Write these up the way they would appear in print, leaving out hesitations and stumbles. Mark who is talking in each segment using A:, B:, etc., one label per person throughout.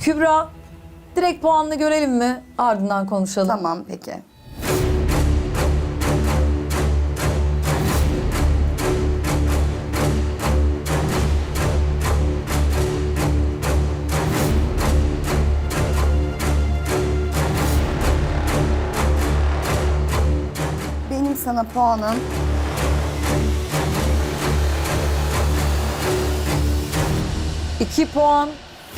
A: Kübra, direkt puanını görelim mi? Ardından konuşalım.
B: Tamam peki. Benim sana puanım
A: 2 puan.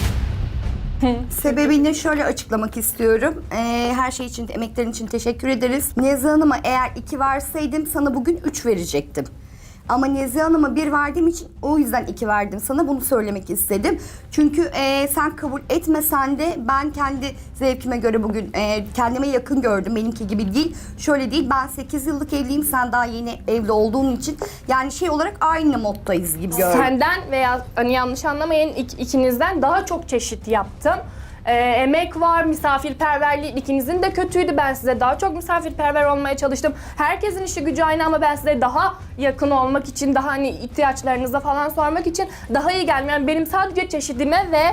B: sebebini şöyle açıklamak istiyorum. Her şey için, emeklerin için teşekkür ederiz. Nezihe Hanım'a eğer 2 verseydim sana bugün 3 verecektim. Ama Nezihe Hanım'a 1 verdiğim için o yüzden 2 verdim sana. Bunu söylemek istedim. Çünkü sen kabul etmesen de ben kendi zevkime göre bugün kendime yakın gördüm. Benimki gibi değil. Şöyle değil, ben 8 yıllık evliyim. Sen daha yeni evli olduğun için. Yani şey olarak aynı moddayız gibi gördüm.
C: Senden veya hani yanlış anlamayın ikinizden daha çok çeşit yaptım. Emek var, misafirperverlik ikinizin de kötüydü. Ben size daha çok misafirperver olmaya çalıştım. Herkesin işi gücü aynı ama ben size daha yakın olmak için, daha hani ihtiyaçlarınıza falan sormak için daha iyi geldim. Yani benim sadece çeşidime ve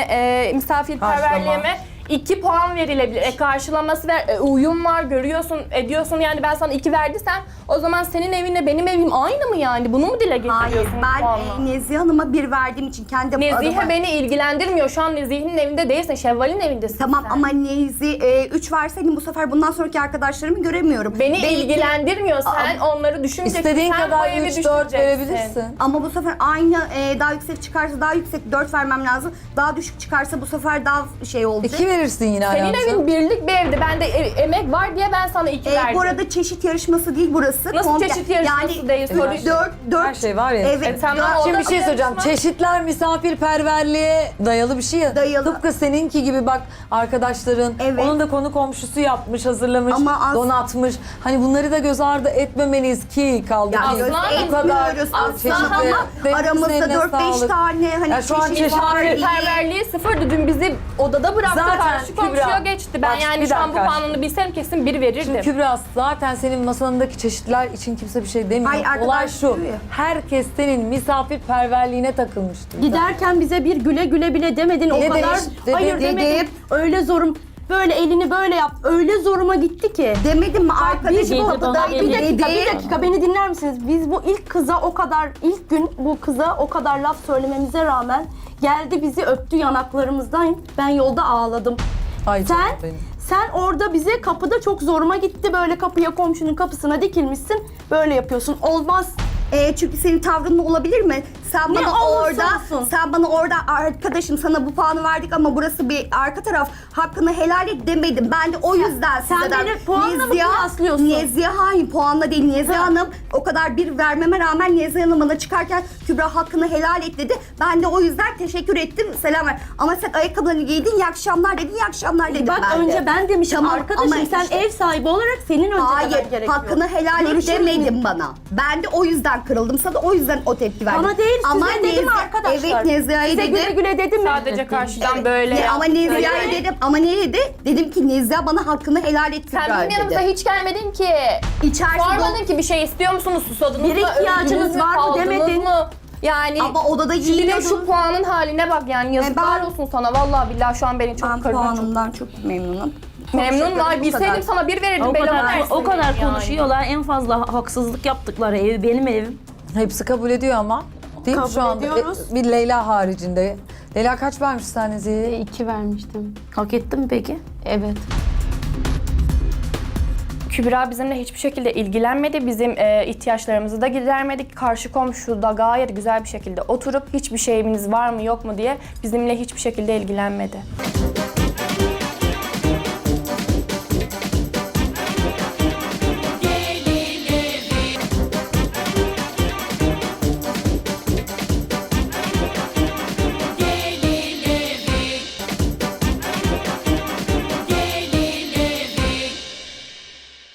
C: misafirperverliğime 2 puan verilebilir. Karşılaması ve uyum var, görüyorsun, ediyorsun. Yani ben sana 2 verdiysem o zaman senin evinle benim evim aynı mı yani? Bunu mu dile getiriyorsun?
B: Hayır, ben Nezihe Hanım'a 1 verdiğim için kendi
C: Nezihe
B: adıma...
C: beni ilgilendirmiyor. Şu an Nezihe'nin evinde değilsin. Şevval'in evindesin
B: Tamam
C: sen.
B: ama Nezihe 3 verseydim bu sefer bundan sonraki arkadaşlarımı göremiyorum.
C: Beni
B: Belki-
C: ilgilendirmiyor. Sen onları düşüneceksin.
A: İstediğin
C: sen bu
A: kadar
C: evi
A: 3-4
C: düşüneceksin.
A: verebilirsin.
B: Ama bu sefer aynı daha yüksek çıkarsa daha yüksek 4 vermem lazım. Daha düşük çıkarsa bu sefer daha şey olacak.
A: 2 verirsin yine
C: Senin
A: hayatım.
C: evin birlik bir evdi. Ben de emek var diye ben sana 2 verdim.
B: Bu arada çeşit yarışması değil burası.
C: Nasıl çeşit yarışması değil? Soru-
B: 4
A: Her şey var ya.
B: Evet.
C: tamam, o
A: Şimdi
C: da
A: bir şey söyleyeceğim.
C: yarışma.
A: Çeşitler misafirperverliğe dayalı bir şey ya.
B: Dayalı.
A: Tıpkı seninki gibi bak arkadaşların.
B: Evet.
A: Onun da konu komşusu yapmış, hazırlamış,
B: Ama
A: donatmış. Hani bunları da göz ardı etmemeliyiz ki kaldı
B: Ya
A: ki.
B: göz
C: Aslan
A: Bu kadar
B: etmiyoruz
A: çeşitli.
B: aslan ama
A: Denizin
B: aramızda
A: eline
B: 4-5
A: sağlık.
B: tane hani
A: Ya şu an
B: çeşit
A: çeşitli
B: var diye.
C: Misafirperverliği sıfırdı. Dün bizi odada bıraktı.
A: Zaten
C: Karşı komşuya
A: Kübra,
C: geçti. Ben
A: bak,
C: yani
A: bir
C: şu an bu
A: dakika.
C: puanını bilsem kesin 1 verirdim.
A: Şimdi Kübra zaten senin masanındaki çeşitler için kimse bir şey demiyor.
B: Hayır, arkadaş
A: Olay şu.
B: diyor ya.
A: Herkes senin misafirperverliğine takılmıştır.
D: Giderken bize bir güle güle bile demedin o
A: Ne
D: kadar.
A: demiş?
D: Hayır
B: Dedim.
D: demedim. Öyle zorum. Böyle elini böyle yap. Öyle zoruma gitti ki.
B: Demedim mi arkadaşım
D: Bir
B: odadaydı
D: dakika,
B: dedi.
D: bir dakika beni dinler misiniz? Biz bu ilk kıza o kadar, ilk gün bu kıza o kadar laf söylememize rağmen geldi bizi öptü yanaklarımızdan. Ben yolda ağladım.
A: Ay canım
D: Sen,
A: benim.
D: sen orada bize kapıda çok zoruma gitti. Böyle kapıya komşunun kapısına dikilmişsin. Böyle yapıyorsun. Olmaz.
B: Çünkü senin tavrın olabilir mi? Sen
D: Ne
B: bana
D: olursa
B: orada,
D: olsun.
B: sen bana orada arkadaşım sana bu puanı verdik ama burası bir arka taraf hakkını helal et demedim. Ben de o yüzden
D: sen
B: sizden
D: beni puanla mı kıyaslıyorsun?
B: Nezihe hayır puanla değil. Nezihe Hanım o kadar bir vermeme rağmen Nezihe Hanım bana çıkarken Kübra hakkını helal et dedi. Ben de o yüzden teşekkür ettim. Selam ver. Ama sen ayakkabılarını giydin, iyi akşamlar dedin, iyi akşamlar dedim
D: Bak
B: ben de.
D: önce ben demişim
B: Tamam,
D: arkadaşım
B: ama
D: sen
B: işte-
D: ev sahibi olarak senin önce
B: Hayır,
D: demen gerekiyor.
B: hakkını helal et
D: Görüşürüz
B: demedin
D: mü?
B: bana. Ben de o yüzden kırıldım sana, o yüzden o tepki verdim.
D: Bana değil size dedim
B: Nezihe-
D: arkadaşlar.
B: Evet Nezihe'ye
D: Size güle
B: dedim.
D: güle dedim mi?
C: Sadece karşıdan
B: Evet,
C: böyle
B: ama
C: yaptı.
B: Nezihe'ye
C: Öyle.
B: dedim. Ama ne dedi? Dedim ki Nezihe bana hakkını helal et
C: Sen
B: Kübra
C: bizim yanımıza
B: dedi.
C: hiç gelmedin ki.
B: İçerisi
C: Sormadın
B: dolu.
C: ki bir şey istiyor musunuz? Susadınız
D: Bir
C: mı?
D: ihtiyacınız
C: Öldünüz mü?
D: var mı
C: Kaldınız
D: demedin.
C: mı? Yani
B: Ama odada
C: şimdi de
B: giyiniyordun.
C: şu puanın haline bak yani yazıklar
B: ben-
C: olsun sana. Vallahi billahi şu an beni çok
B: Ben
C: kırdın.
B: puanımdan çok memnunum.
C: Memnun var.
B: Bu
C: Bilseydim
B: kadar.
C: sana 1 verirdim.
E: O
C: belama
E: kadar,
C: versin
E: o kadar
C: dedim yani.
E: konuşuyorlar. En fazla haksızlık yaptıkları ev benim evim.
A: Hepsi kabul ediyor ama. Değil mi
D: Kabul
A: şu anda?
D: ediyoruz.
A: Bir Leyla haricinde. Leyla kaç vermiş sen Nezihe'ye?
F: 2 vermiştim.
E: Hak ettim mi peki?
F: Evet.
C: Kübra bizimle hiçbir şekilde ilgilenmedi. Bizim ihtiyaçlarımızı da gidermedik. Karşı komşu da gayet güzel bir şekilde oturup hiçbir şeyimiz var mı yok mu diye bizimle hiçbir şekilde ilgilenmedi.